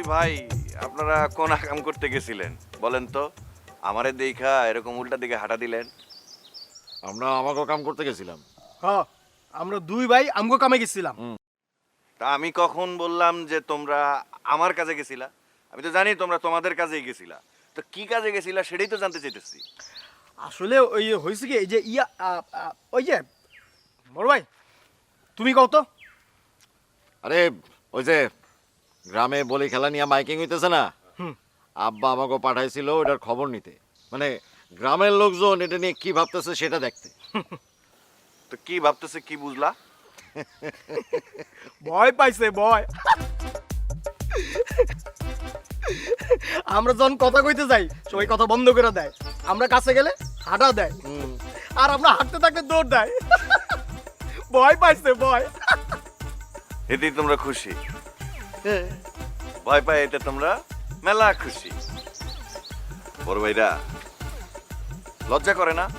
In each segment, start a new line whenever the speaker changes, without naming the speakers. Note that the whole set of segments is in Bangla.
ভাই আপনারা কোন কাম করতে গেছিলেন বলেন তো? আমারে দেখা এরকম উল্টা দিকে হাঁটা দিলেন।
আমরা আমাকেও কাম করতে গেছিলাম।
হ্যাঁ, আমরা দুই ভাই আমগো কামে গেছিলাম।
তা আমি কখন বললাম যে তোমরা আমার কাজে গেছিলা? আমি তো জানি তোমরা তোমাদের কাজেই গেছিলা। তো কি কাজে গেছিলা সেটাই তো জানতে চাইতেছি।
আসলে ওই হয়েছে কি এই যে ওই যে বড় ভাই তুমি কও তো।
আরে ওই যে গ্রামে বলি খেলা নিয়ে মাইকিং হইতেছে না,
হুম।
আব্বা আমাকে পাঠাইছিল ওটার খবর নিতে, মানে গ্রামের লোকজন এটা নিয়ে কি ভাবতেছে সেটা দেখতে।
তো কি ভাবতেছে কি বুঝলা?
ভয় পাইছে ভয়। আমরা যখন কথা কইতে যাই সবাই কথা বন্ধ করে দেয়, আমরা কাছে গেলে হাঁটা দেয়, আর আমরা হাঁটতে থাকলে দৌড় দেয়। ভয় পাইছে ভয়।
এতেই তোমরা খুশি? ভয় পাই এতে তোমরা মেলা খুশি। বড় ভাইরা লজ্জা করে না?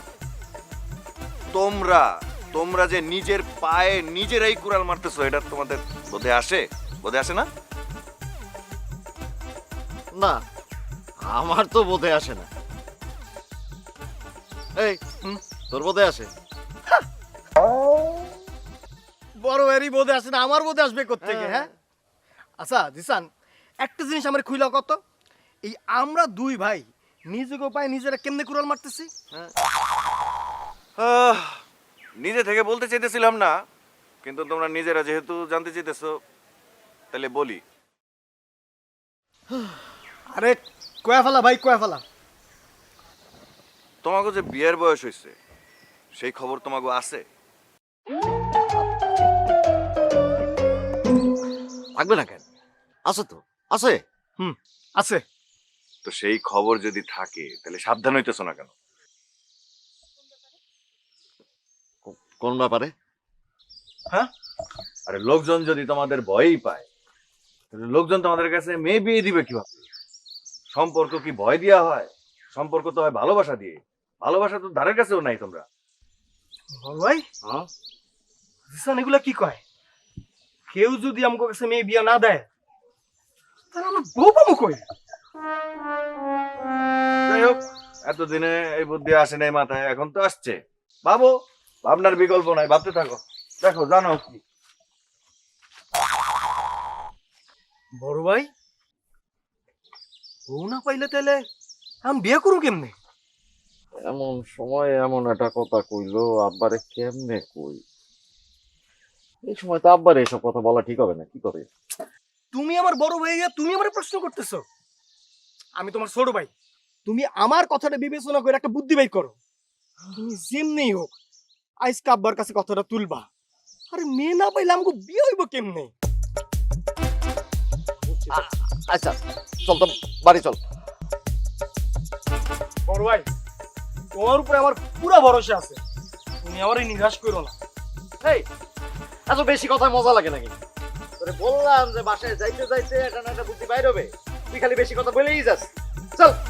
তোমরা তোমরা যে নিজের পায়ে নিজেরাই কুড়াল মারতেছো, এটা তোমাদের বোধে আসে? বোধে আসে না?
না, আমার তো বোধে আসে না। এই তোর বোধে আসে?
বড় ভাইয়েরই বোধে আসে না, আমার বোধে আসবে কোত্থেকে? হ্যাঁ, আচ্ছা জিসান, একটা জিনিস আমার খুইলা কত, এই আমরা দুই ভাই নিজেকে পায়ে নিজেরা কেমনে কুড়াল মারতেছি?
নিজে থেকে বলতে চাইতেছিলাম না, কিন্তু তোমরা নিজেরা যেহেতু জানতে চাইতেছো তাহলে বলি।
আরে কয়া ফেলা ভাই, কয়া ফেলা।
তোমাকে যে বিয়ের বয়স হয়েছে সেই খবর তোমাকে আছে?
থাকবে না কেন? আছে তো, আছে।
আছে।
তো সেই খবর যদি থাকে তাহলে সাবধান হইতেছো না কেন?
কোন ব্যাপারে?
হ্যাঁ,
আরে লোকজন যদি তোমাদের ভয়ই পায় তাহলে লোকজন তোমাদের কাছে মেয়ে বিয়ে দিবে কিভাবে? সম্পর্ক কি ভয় দেওয়া হয়? সম্পর্ক তো হয় ভালোবাসা দিয়ে। ভালোবাসা তো ধারের কাছেও নাই তোমরা।
বড় ভাই জিসান এগুলা কি কয়? কেউ যদি আমাকে কাছে মেয়ে বিয়া না দেয় তাহলে আমরা বউ পাবো কই?
যাই হোক, এতদিনে এই বুদ্ধি আসে নাই মাথায়, এখন তো আসছে। ভাবো, ভাবনার বিকল্প নাই, ভাবতে থাকো। দেখো জানো কি
বড় ভাই বউ না পাইলে তাহলে আমি বিয়ে করু কেমনে?
এমন সময় এমন একটা কথা কইলো, আব্বারে কেমনে কই? এই সময় তো আব্বারে এসব কথা বলা ঠিক হবে না, কি করে?
তুমি আমার বড় ভাই, তুমি আমার প্রশ্ন করতেছো? আমি তোমার ছোট ভাই, তুমি আমার কথাটা বিবেচনা করে একটা বুদ্ধি বের করো। তুমি যেমনি হোক আজকে আব্বার কাছে কথাটা তুলবা। আরে মেয়ে না পাইলে আমাকে বিয়ে হইব কেমনে?
আচ্ছা চল তো, বাড়ি চল।
বড় ভাই তোমার উপরে আমার পুরা ভরসা আছে, তুমি আমারই নিরাশ করো না।
এই এত বেশি কথায় মজা লাগে নাকি? তোরে বললাম যে বাসায় যাইতে যাইতে একটা না একটা বুদ্ধি বাইর হবে, তুই খালি বেশি কথা বলেই যাস। চল।